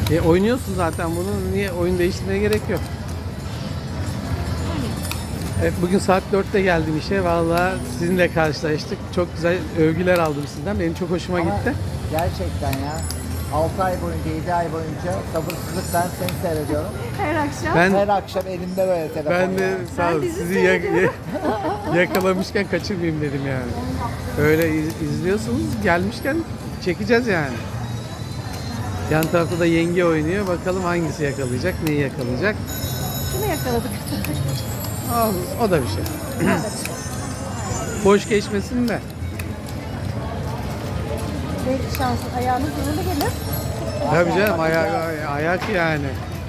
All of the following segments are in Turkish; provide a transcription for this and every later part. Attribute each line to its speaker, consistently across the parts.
Speaker 1: Oynuyorsun zaten bunu. Niye oyun değiştirmeye gerek yok. Evet, bugün saat 4'te geldim işe. Vallahi sizinle karşılaştık. Çok güzel övgüler aldım sizden. Benim çok hoşuma
Speaker 2: Ama
Speaker 1: gitti.
Speaker 2: gerçekten ya 6 ay boyunca, 7 ay boyunca sabırsızlıkla seni seyrediyorum.
Speaker 3: Her akşam.
Speaker 1: Ben
Speaker 2: Her akşam elimde böyle telefon.
Speaker 1: ben de
Speaker 2: ya.
Speaker 1: sağ olun,
Speaker 3: Ben dizi
Speaker 1: sizi
Speaker 3: seyrediyorum.
Speaker 1: yakalamışken kaçırmayayım dedim yani. Öyle izliyorsunuz, gelmişken çekeceğiz yani. Yan tarafta da yenge oynuyor. Bakalım hangisi yakalayacak, neyi yakalayacak.
Speaker 3: Şunu yakaladık.
Speaker 1: O da bir şey. Boş geçmesin de.
Speaker 3: Belki şansın ayağınız uğurlu gelir.
Speaker 1: Tabii canım, ayak yani.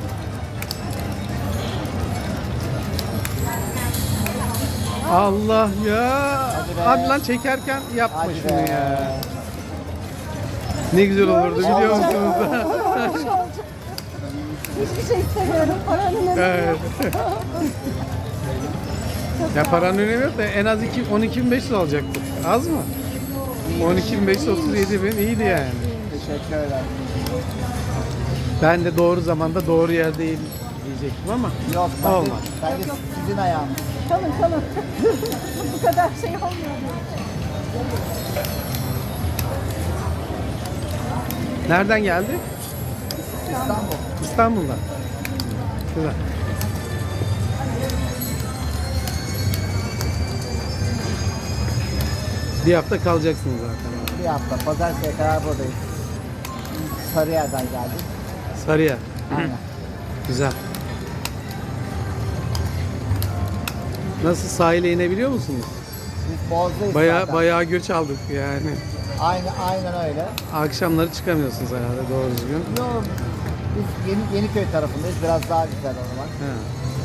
Speaker 1: Allah ya.
Speaker 2: Hadi be.
Speaker 1: Hadi lan, çekerken yapma
Speaker 2: Hadi
Speaker 1: şunu
Speaker 2: be.
Speaker 1: ya. Ne güzel olurdu biliyor musunuz?
Speaker 3: Hiçbir şey istemiyorum. Paranın önemi
Speaker 1: Evet.
Speaker 3: yok.
Speaker 1: Ya paranın önemi yok da en az 12.500 alacaktık. Az mı? 12.537 bin iyiydi yani.
Speaker 2: Teşekkürler.
Speaker 1: Ben de doğru zamanda doğru yerdeyim diyecektim ama
Speaker 2: Yok
Speaker 1: olmaz.
Speaker 2: bence sizin ayağınız.
Speaker 3: Kalın. Bu kadar şey olmuyor.
Speaker 1: Nereden geldi?
Speaker 2: İstanbul.
Speaker 1: İstanbul'dan. Güzel. Bir hafta kalacaksınız zaten.
Speaker 2: Bir hafta pazartesiye kadar buradayız. Sarıyer'den geldik.
Speaker 1: Sarıyer.
Speaker 2: Aynen.
Speaker 1: Güzel. Nasıl, sahile inebiliyor musunuz?
Speaker 2: Biz Boğaz'dayız zaten.
Speaker 1: Bayağı göç aldık yani.
Speaker 2: Aynen öyle.
Speaker 1: Akşamları çıkamıyorsunuz herhalde doğru düzgün.
Speaker 2: Yok, biz Yeniköy tarafındayız. Biraz daha güzel o zaman.
Speaker 1: He.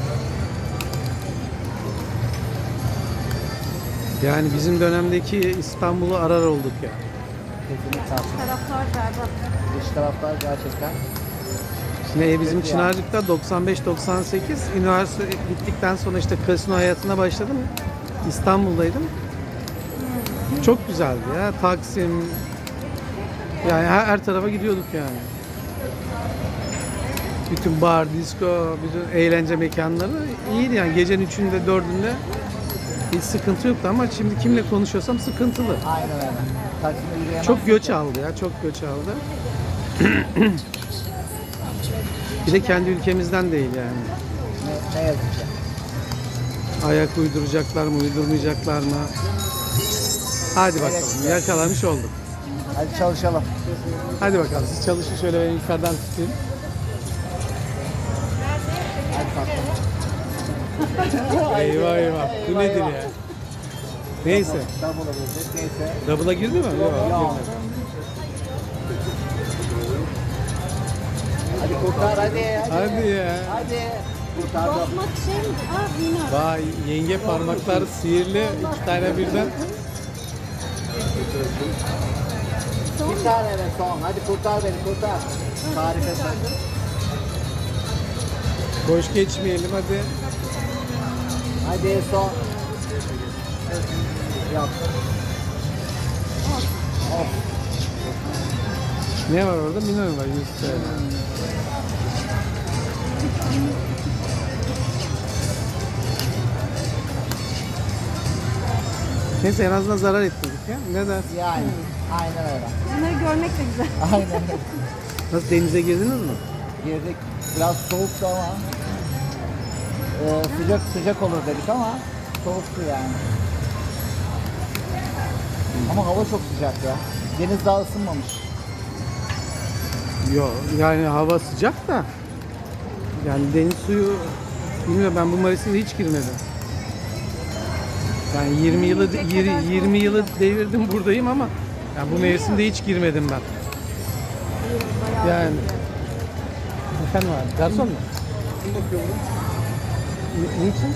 Speaker 1: Yani bizim dönemdeki İstanbul'u arar olduk ya.
Speaker 2: Kesinlikle haklısın.
Speaker 3: Taraftar berbat.
Speaker 2: Dış taraflar gerçekten.
Speaker 1: Şimdi bizim
Speaker 2: Evet ya.
Speaker 1: Çınarcık'ta 95-98 üniversite bittikten sonra işte kasino hayatına başladım. İstanbul'daydım. Çok güzeldi ya. Taksim, yani her tarafa gidiyorduk yani. Bütün bar, disco, bütün eğlence mekanları iyiydi yani. Gecenin 3'ünde 4'ünde hiç sıkıntı yoktu ama şimdi kimle konuşuyorsam sıkıntılı.
Speaker 2: Aynen öyle. Taksim'de yürüyemezsin
Speaker 1: Çok göç
Speaker 2: ki.
Speaker 1: aldı ya, çok göç aldı. Bir de kendi ülkemizden değil yani.
Speaker 2: Ne yazık ki.
Speaker 1: Ayak uyduracaklar mı, uydurmayacaklar mı? Hadi bakalım, yakalamış olduk.
Speaker 2: Hadi çalışalım.
Speaker 1: Hadi bakalım, siz çalışın, şöyle ben yukarıdan tutayım.
Speaker 2: Hadi tatlım.
Speaker 1: Eyvah, bu nedir ya? Neyse,
Speaker 2: Double'a girdik. Neyse.
Speaker 1: double'a girdi mi? Yok,
Speaker 2: Yok.
Speaker 1: girmedi.
Speaker 2: Hadi kurtar hadi.
Speaker 1: Hadi ya.
Speaker 2: Hadi. Kurtardım.
Speaker 3: Bozmak şey mi? Yine.
Speaker 1: Vay, yenge parmaklar sihirli, 2 tane birden.
Speaker 2: Bir tane de son. Hadi kurtar beni kurtar. Harikasın.
Speaker 1: Boş geçmeyelim hadi.
Speaker 2: Hadi son. Yok. Of.
Speaker 1: Ne var orada? Minor var, 100 TL. Neyse, en azından zarar etmedik ya. Ne dersin?
Speaker 2: Yani. Aynen öyle.
Speaker 3: Bunları görmek de güzel.
Speaker 2: Aynen öyle.
Speaker 1: Nasıl, denize girdiniz mi?
Speaker 2: Girdik. Biraz soğuktu ama. Sıcak olur dedik ama soğuktu yani. Ama hava çok sıcak ya. Deniz daha ısınmamış.
Speaker 1: Yok, yani hava sıcak da. Yani deniz suyu, bilmiyorum, ben bu Mayıs'ta hiç girmedim. Yani 20 yılı devirdim buradayım ama yani bu mevsimde hiç girmedim ben. Yani efendim abi, garson mu? Kim bakıyor bunu? Niçin?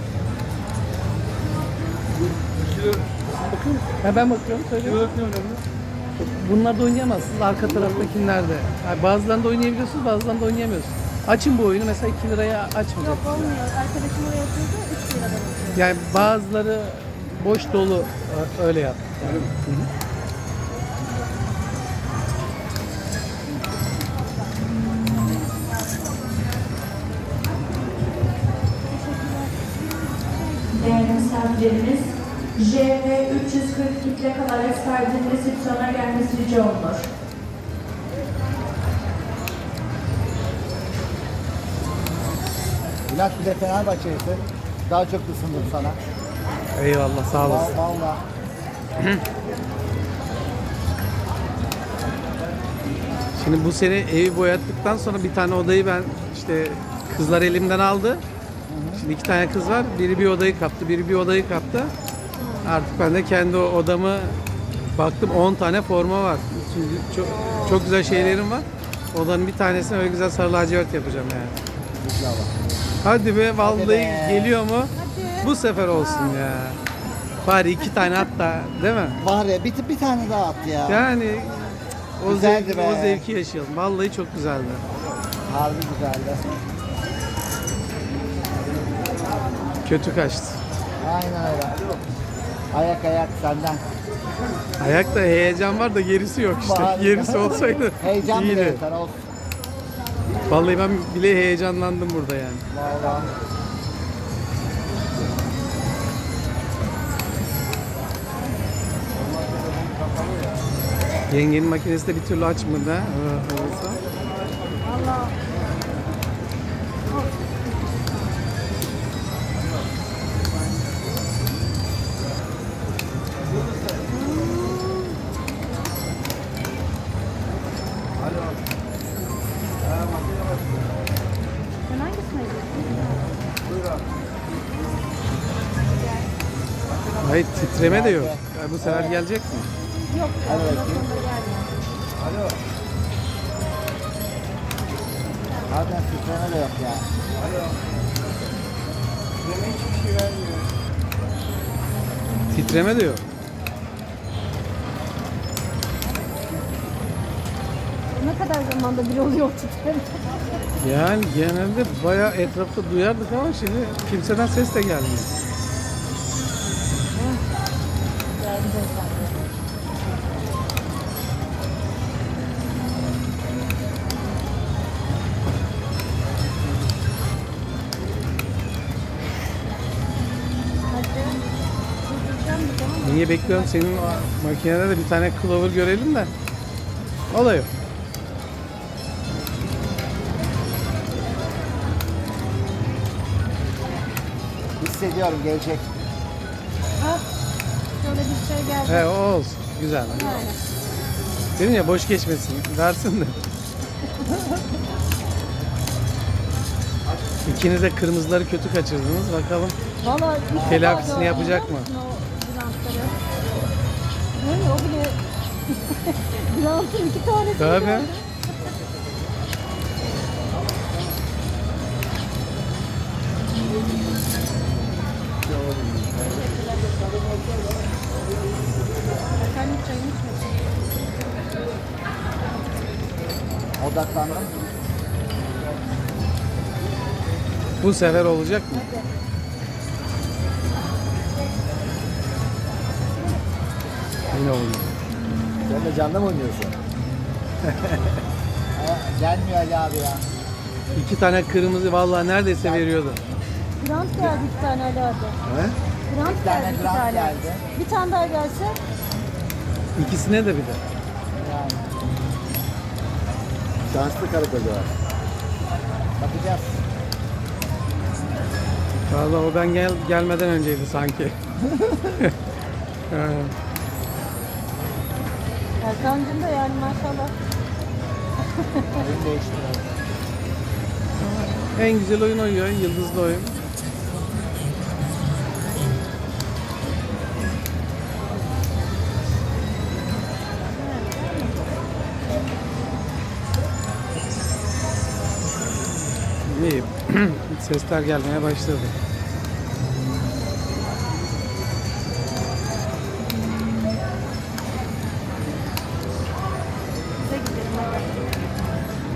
Speaker 1: Bakıyor musun? Ha, ben bakıyorum, söylüyorum. Bunlar da oynayamazsınız, arka taraftakilerde. Yani bazılarında oynayabiliyorsunuz, bazılarında oynayamıyorsunuz. Açın bu oyunu, mesela 2 liraya açmayacak.
Speaker 3: Yok olmuyor. Arkadaşım oraya yapıyordu. 3 liradan atıyor.
Speaker 1: Yani bazıları boş dolu, öyle yap. Yani. Hı hı.
Speaker 4: misafirlerimiz JV 342 plakalı araç sahibinin resepsiyona gelmesi rica olunur.
Speaker 2: Bülent bir de Fenerbahçe'lisin. Daha çok ısındım sana.
Speaker 1: Eyvallah, sağ olasın.
Speaker 2: Valla.
Speaker 1: Şimdi bu sene evi boyattıktan sonra bir tane odayı ben işte kızlar elimden aldı. Şimdi 2 tane kız var. Biri bir odayı kaptı, biri bir odayı kaptı. Artık ben de kendi odamı baktım 10 tane forma var. Çünkü çok güzel şeylerim var. Odanın bir tanesine öyle güzel sarı lacivert yapacağım yani.
Speaker 2: İnşallah.
Speaker 1: Hadi be, vallahi
Speaker 2: Hadi be.
Speaker 1: geliyor mu?
Speaker 3: Hadi.
Speaker 1: Bu sefer olsun ya. Bari 2 tane hatta, değil mi?
Speaker 2: Var ya bir tane daha at ya.
Speaker 1: Yani o
Speaker 2: Güzeldi
Speaker 1: zevki,
Speaker 2: be.
Speaker 1: o zevki yaşayalım. Vallahi çok güzeldi.
Speaker 2: Harbi güzeldi.
Speaker 1: Kötü kaçtı.
Speaker 2: Aynen öyle. Ayak senden.
Speaker 1: Ayakta heyecan var da gerisi yok işte.
Speaker 2: Var.
Speaker 1: Gerisi olsaydı
Speaker 2: Heyecan bile
Speaker 1: iyiydi.
Speaker 2: yeter olsun.
Speaker 1: Vallahi ben bile heyecanlandım burada yani.
Speaker 2: Valla.
Speaker 1: Yengenin makinesi de bir türlü açmadı ha. Olsa.
Speaker 3: Valla. Sen hangisine gidiyorsun?
Speaker 1: Hayır, titreme de yok. Ya bu sefer gelecek mi?
Speaker 3: Yok.
Speaker 2: Hadi
Speaker 3: Yok.
Speaker 2: bakayım. Harbiden titreme de yok ya.
Speaker 1: Titreme de yok.
Speaker 3: Ne kadar zamanda bir oluyor titreme?
Speaker 1: Yani genelde bayağı etrafta duyardık ama şimdi kimseden ses de gelmiyor.
Speaker 3: Geldi beyefendi. Hadi. Durduracağım bir zaman.
Speaker 1: Niye bekliyorum? Senin makinede de bir tane clover görelim de. O da yok.
Speaker 2: Hissediyorum gelecek.
Speaker 3: Ah, şöyle bir şey geldi.
Speaker 1: He, o olsun. Güzel.
Speaker 3: Yani.
Speaker 1: Dedim ya, boş geçmesin. Versin de. İkiniz de kırmızıları kötü kaçırdınız. Bakalım.
Speaker 3: Valla ilk defa
Speaker 1: Telafisini
Speaker 3: gördüm,
Speaker 1: yapacak
Speaker 3: biliyor
Speaker 1: mı?
Speaker 3: musun o Bülentleri? Değil mi? O bile Bülent'in 2 tanesini
Speaker 1: Tabii.
Speaker 3: gördüm. Efendim çayını içmesin.
Speaker 2: Odaklandım.
Speaker 1: Bu sefer olacak mı? Yine oldu.
Speaker 2: Sen de canlı mı oynuyorsun? Gelmiyor Ali abi ya.
Speaker 1: 2 tane kırmızı vallahi neredeyse veriyordu.
Speaker 3: Grant geldi 2 tane Ali abi.
Speaker 2: He?
Speaker 3: Grant
Speaker 2: Bir tane
Speaker 3: geldi 2
Speaker 2: Grant
Speaker 3: tane.
Speaker 2: geldi.
Speaker 3: Bir tane daha gelse
Speaker 1: İkisine de bir de.
Speaker 2: Yani. Şanslı karı koca var. Bakacağız.
Speaker 1: Vallahi o ben gelmeden önceydi sanki. Evet.
Speaker 3: Erkan'cığım da yani maşallah.
Speaker 2: Oyun değiştiriyor.
Speaker 1: En güzel oyun oynuyor, yıldızlı oyun. İyi. Sesler gelmeye başladı.
Speaker 3: Bize gidelim hadi.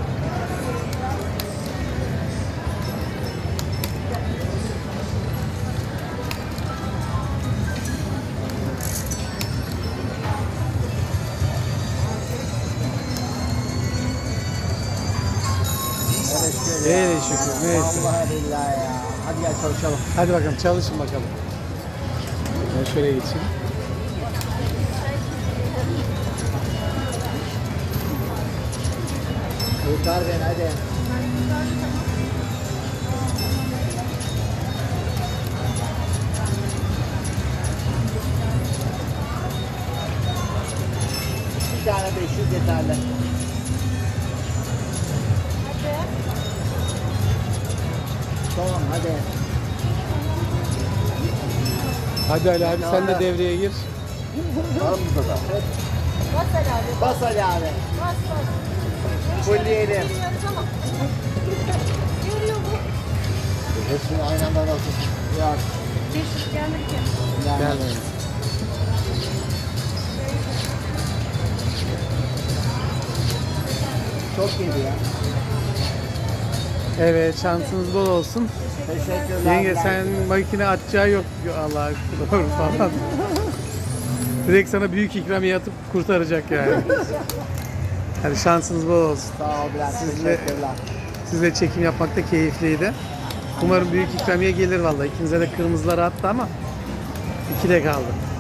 Speaker 2: Evet şöyle ya.
Speaker 1: Hele şükür, neyse.
Speaker 2: Vallahi billahi ya. Hadi gel çalışalım.
Speaker 1: Hadi bakalım, çalışın bakalım. Ben şöyle geçeyim.
Speaker 2: Kurtar beni hadi. Bir tane 500 yeterli. Tamam hadi.
Speaker 1: Hadi Ali abi sen de devreye gir.
Speaker 2: Var mı burada da?
Speaker 3: Bas herhalde.
Speaker 2: Bas Ali abi.
Speaker 3: Bas bas.
Speaker 2: Fulleyelim.
Speaker 3: Bilmiyoruz ama. Görüyor bu.
Speaker 2: Hepsini aynı anda nasıl? Yok.
Speaker 3: 500 gelmedi ki.
Speaker 2: Yani.
Speaker 1: Gel.
Speaker 2: Çok yedi ya.
Speaker 1: Evet şansınız bol olsun.
Speaker 2: Teşekkürler.
Speaker 1: Yenge sen makine atacağı yok Allah doğru falan. Direkt sana büyük ikramiye atıp kurtaracak yani. Hadi şansınız bol olsun.
Speaker 2: Sağ ol Bülent.
Speaker 1: Sizle-
Speaker 2: Teşekkürler.
Speaker 1: Sizle çekim yapmak da keyifliydi. Umarım büyük ikramiye gelir vallahi. İkinize de kırmızıları attı ama 2'de kaldı.